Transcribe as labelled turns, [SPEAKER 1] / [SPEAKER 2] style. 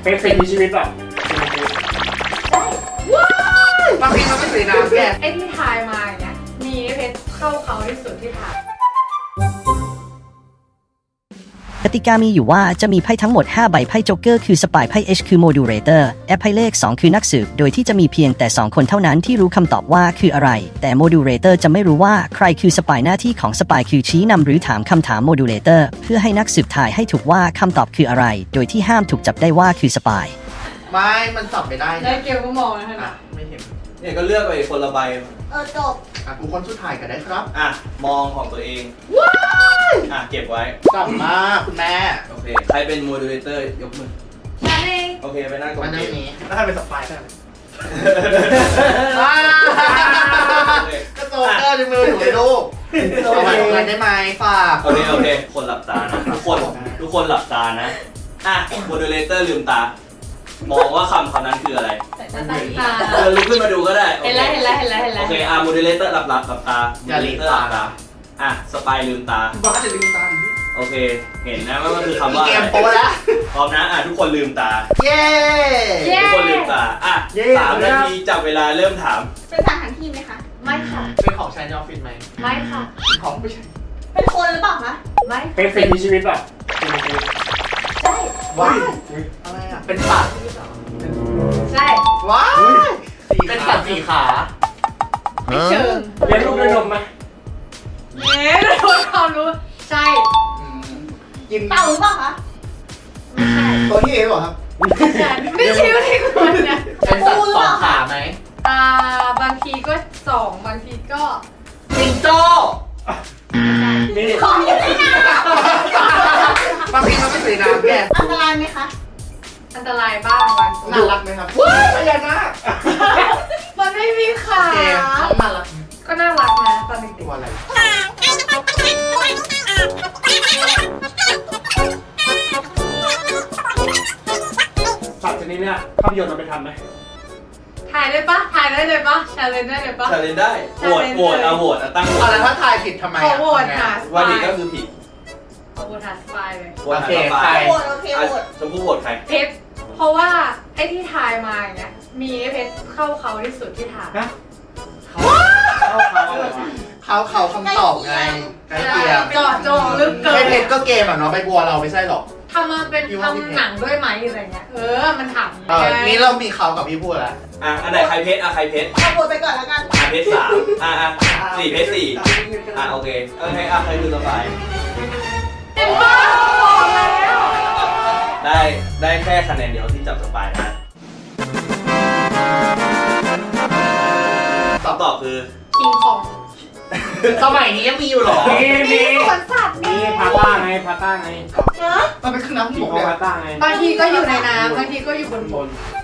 [SPEAKER 1] เป็นสิ่งมีชีวิตป่ะ
[SPEAKER 2] บางทีมันไม่สีน้ำแก
[SPEAKER 3] ไอ้ที่ทายมาอย่างเงี้ยมีเพชรเข้าเขาที่สุดที่ทาย
[SPEAKER 4] กติกามีอยู่ว่าจะมีไพ่ทั้งหมด5ใบไพ่โจ๊กเกอร์คือสปายไพ่ H คือโมดูเลเตอร์แอปไพ่เลข2คือนักสืบโดยที่จะมีเพียงแต่2คนเท่านั้นที่รู้คำตอบว่าคืออะไรแต่โมดูเลเตอร์จะไม่รู้ว่าใครคือสปายหน้าที่ของสปายคือชี้นำหรือถามคำถามโมดูเลเตอร์เพื่อให้นักสืบทายให้ถูกว่าคำตอบคืออะไรโดยที่ห้ามถูกจับได้ว่าคือสปาย
[SPEAKER 2] ไม่มันสับไม่ได้
[SPEAKER 3] ได้
[SPEAKER 2] นะ
[SPEAKER 3] เกลก็มองนะฮะ
[SPEAKER 2] อ่ะไม่เห็น
[SPEAKER 5] เนี่ยก็เลือกไปคนละใบ
[SPEAKER 3] จบ
[SPEAKER 2] อ่ะกูคนสุดท้ายกันได้ครับ
[SPEAKER 5] อ่ะมองของตัวเองอ่ะเก็บไว้
[SPEAKER 2] กลับมาคุณแม่
[SPEAKER 5] โอเคใครเป็นโมดูเลเตอร์ยกมือ
[SPEAKER 3] ฉันเอง
[SPEAKER 5] โอเคไปนั่งตรง
[SPEAKER 2] วัน
[SPEAKER 5] เก
[SPEAKER 2] นี้
[SPEAKER 5] ม
[SPEAKER 2] แล้วใครเป็นสปายได้ก็โจ๊กเกอร์ในมืออยู่ในลูกเอาไว้ตรงนั้นได้ไหมฝาก
[SPEAKER 5] โอเคคนหลับตานะทุกคนหลับตานะอ่ะโมดูเลเตอร์ลืมตามองว่าคำนั้นคืออะไร
[SPEAKER 3] แต่ตาตา
[SPEAKER 5] ลุกขึ้นมาดูก็ได้โอ
[SPEAKER 3] เห็น
[SPEAKER 5] เค
[SPEAKER 3] แล้ว
[SPEAKER 5] โอเคโมดูเลเตอร์หลับตาโมดูเลเตอร์หลับตาอ่ะสปายลืมตา
[SPEAKER 2] บ้าจะลืมตา
[SPEAKER 5] โอเคเห็นนะว่ามันคือคำว่า
[SPEAKER 2] เก
[SPEAKER 5] อะ
[SPEAKER 2] ม
[SPEAKER 5] ไร
[SPEAKER 2] โปแล้ว
[SPEAKER 5] พร้อมนะอ่ะทุกคนลืมตา
[SPEAKER 2] เย้
[SPEAKER 5] ทุกคนลืมตาอ่ะ
[SPEAKER 2] เย้
[SPEAKER 5] 3 นาทีจับเวลาเริ่มถาม
[SPEAKER 6] เป็นสถานที่ไหมคะ
[SPEAKER 3] ไม่ค่ะ
[SPEAKER 2] เป็นของใช้ในออฟฟิศไหม
[SPEAKER 3] ไม่ค่ะ
[SPEAKER 2] ของไม่ใช่
[SPEAKER 6] เป็นคนหรือเปล่าคะ
[SPEAKER 3] ไม่
[SPEAKER 1] เป็นสิ่งมีชีวิตป่ะ
[SPEAKER 6] ใช่
[SPEAKER 2] ว้ายอะไรอ่ะเป็นสัตว์
[SPEAKER 3] ใช่
[SPEAKER 2] ว้ายเป็นสัตว์สี่ขา
[SPEAKER 3] ไม่เชิง
[SPEAKER 1] เลี้ยงลูกด้วยนมไหม
[SPEAKER 3] เนี่ยโดนความรู้ใช่
[SPEAKER 2] กิน
[SPEAKER 6] เต่าหรือเปล่าคะ
[SPEAKER 3] ไม่ใช่
[SPEAKER 2] ตัวที่เอหรอครับ
[SPEAKER 3] ไม่ใช่ไม่ใช่คนนะ
[SPEAKER 2] เป็นสัตว์สองขาไหม
[SPEAKER 3] บางทีก็2บางทีก็
[SPEAKER 2] จิงโจ้
[SPEAKER 1] นี่
[SPEAKER 6] ของอยู่ในน้
[SPEAKER 2] บางทีมันไม่สีน้ำแก
[SPEAKER 6] ำอันตรายไหมคะ
[SPEAKER 3] อันตรายบ้างบางที
[SPEAKER 2] น่ารักไหมครับว้ายพญานาค
[SPEAKER 3] มันไม่มีขา
[SPEAKER 2] เกมน้องน่ารัก
[SPEAKER 3] ก็น่ารักนะตอนเด็ก
[SPEAKER 2] ตัวอะไร
[SPEAKER 1] สัตว์ชนิดเนี้ยภาพยนตร์มันไปทำไหม
[SPEAKER 3] ๆถ่ายได้ปะถ่ายได้เลยปะชาเลนได้เลยปะ
[SPEAKER 5] ชาเลนได้โหวตโหวตตั้งโหว
[SPEAKER 2] อะไร
[SPEAKER 5] ต
[SPEAKER 2] ถ้าทายผิดทำไม
[SPEAKER 3] ขอ
[SPEAKER 2] อ่ะ
[SPEAKER 3] โหวตค่ะ
[SPEAKER 5] ว่าผิดก็คือผิด
[SPEAKER 3] ขอโหวตหาสปายเลย
[SPEAKER 5] โหวต
[SPEAKER 2] โอเค
[SPEAKER 5] ต่อ
[SPEAKER 2] ใค
[SPEAKER 5] ไป
[SPEAKER 2] ร
[SPEAKER 6] โหวตโอเค
[SPEAKER 5] อ่ะ
[SPEAKER 6] โหวต
[SPEAKER 5] ชมพู่โหวตใคร
[SPEAKER 3] เพชรเพราะว่าไอ้ที่ทายมาอย่างเงี้ยมีไอ้เพชรเข้าเขาที่สุดที่ทาย
[SPEAKER 1] เข้าเขาอะไรวะ
[SPEAKER 2] เขาคำตอบไงใกล้เคียง
[SPEAKER 3] เจาะจงลึกเกิ
[SPEAKER 2] ไม่
[SPEAKER 3] น
[SPEAKER 2] เพชรก็เกมอ่ะเนาะใบบัวเราไม่ใช่หรอก
[SPEAKER 3] ทำมาเป็นทำหนังด้วยไหมอะไรเงี้ยมันถาม
[SPEAKER 2] นี่เรามีเขากับพี่พูดแล้ว
[SPEAKER 5] อ่ะอันไหนใครเพชรอ่ะใครเพชร
[SPEAKER 6] เอาโหวตไปก่อนแล้วกัน
[SPEAKER 5] อ่ะเพชร3อ่ะ4เพชร4อ่ะโอเคอ่ะใครคือสบาย
[SPEAKER 3] เต็มบ้าบอกแล้ว
[SPEAKER 5] ได้แค่คะแนนเดียวที่จับสปายนะคำตอบคือ
[SPEAKER 3] คิงคอง
[SPEAKER 2] สมัยนี้ยังมีอยู่หรอ
[SPEAKER 1] มี
[SPEAKER 3] สวนสัตว์
[SPEAKER 1] มีพาต้าไงพาต้าไง
[SPEAKER 6] เนอะ
[SPEAKER 2] มันเป็นเครื่องน้ำ
[SPEAKER 1] มี
[SPEAKER 2] หมก
[SPEAKER 1] ของ
[SPEAKER 2] เนี่ย
[SPEAKER 1] พาต้าไง
[SPEAKER 3] บางทีก็อยู่ในน้ำบางทีก็อยู่บน
[SPEAKER 1] บบ น
[SPEAKER 3] น